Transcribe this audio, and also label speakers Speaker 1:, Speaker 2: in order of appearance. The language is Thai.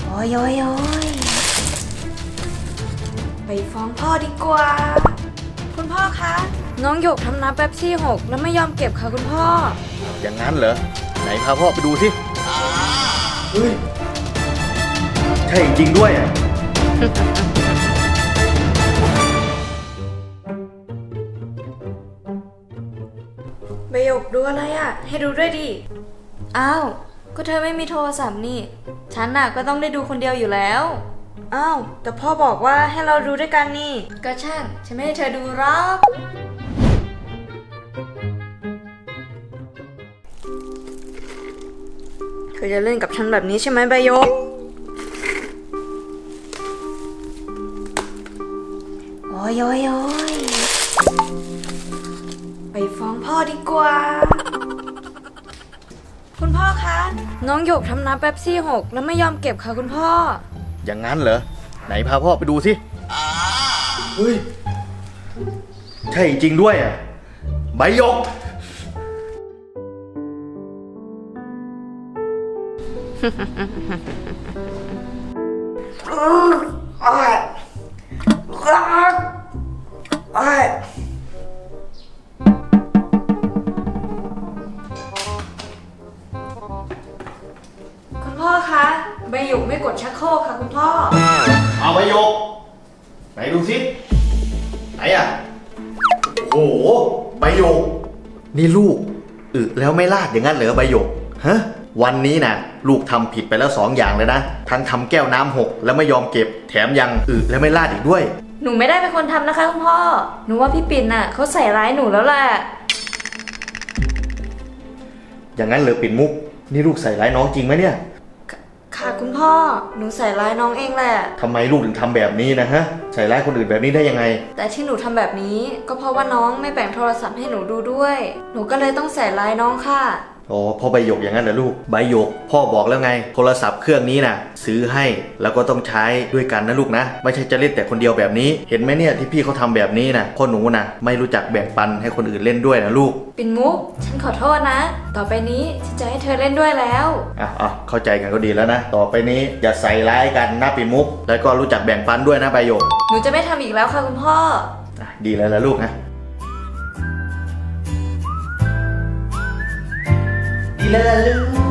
Speaker 1: โอ้ยโอ้ยโอ้ยไปฟ้องพ่อดีกว่าคุณพ่อคะน้องหยกทำน้ำเป๊ปซี่หกแล้วไม่ยอมเก็บค่ะคุณพ่อ
Speaker 2: อย่างนั้นเหรอไหนพาพ่อไปดูสิเฮ้ยใช่จริงด้วยอ่ะ
Speaker 1: ใบหยกดูอะไรอ่ะให้ดูด้วยดิอ้าวก็เธอไม่มีโทรศัพท์นี่ฉันน่ะก็ต้องได้ดูคนเดียวอยู่แล้วอ้าวแต่พ่อบอกว่าให้เราดูด้วยกันนี่ก็ช่างฉันไม่ให้เธอดูหรอกเธอจะเล่นกับฉันแบบนี้ใช่ไหมใบหยกโอ้ยโอ้ยโอ้ยไปฟ้องพ่อดีกว่าคุณพ่อคะน้องหยกทำน้ำเป๊ปซี่หกแล้วไม่ยอมเก็บค่ะคุณพ่อ
Speaker 2: อย่างนั้นเหรอไหนพาพ่อไปดูสิเฮ้ยใช่จริงด้วยอ่ะใบหยก
Speaker 1: คุณพ่อคะใบหยกไม่กดชักโครกค่ะคุณพ่อ
Speaker 2: เอาใบหยกไหนดูสิไหนอ่ะโอ้โหใบหยกนี่ลูกแล้วไม่ลาดอย่างนั้นเหรอใบหยกฮะวันนี้นะลูกทำผิดไปแล้ว2 อย่างเลยนะทั้งทำแก้วน้ำหกแล้วไม่ยอมเก็บแถมยังแล้วไม่ลาดอีกด้วย
Speaker 1: หนูไม่ได้เป็นคนทำนะคะคุณพ่อหนูว่าพี่ปิ่นน่ะเขาใส่ร้ายหนูแล้วแหละ
Speaker 2: อย่างนั้นเหรอปิ่นมุกนี่ลูกใส่ร้ายน้องจริงไหมเนี่ย
Speaker 1: ค่ะคุณพ่อหนูใส่ร้ายน้องเองแหละ
Speaker 2: ทำไมลูกถึงทำแบบนี้นะฮะใส่ร้ายคนอื่นแบบนี้ได้ยังไง
Speaker 1: แต่ที่หนูทำแบบนี้ก็เพราะว่าน้องไม่แบ่งโทรศัพท์ให้หนูดูด้วยหนูก็เลยต้องใส่ร้ายน้องค่ะ
Speaker 2: อ๋อพ่อใบหยกอย่างนั้นเหรอลูกใบหยกพ่อบอกแล้วไงโทรศัพท์เครื่องนี้นะซื้อให้แล้วก็ต้องใช้ด้วยกันนะลูกนะไม่ใช่จะเล่นแต่คนเดียวแบบนี้เห็นไหมเนี่ยที่พี่เขาทำแบบนี้นะพ่อหนูนะไม่รู้จักแบ่งปันให้คนอื่นเล่นด้วยนะลูก
Speaker 1: ปิ่นมุกฉันขอโทษนะต่อไปนี้ฉันจะให้เธอเล่นด้วยแล้ว
Speaker 2: เข้าใจกันก็ดีแล้วนะต่อไปนี้อย่าใส่ร้ายกันนะปิ่นมุกแล้วก็รู้จักแบ่งปันด้วยนะใบหยก
Speaker 1: หนูจะไม่ทำอีกแล้วค่ะคุณพ่อ
Speaker 2: ดีแล้วละลูกนะดีแล้วลูก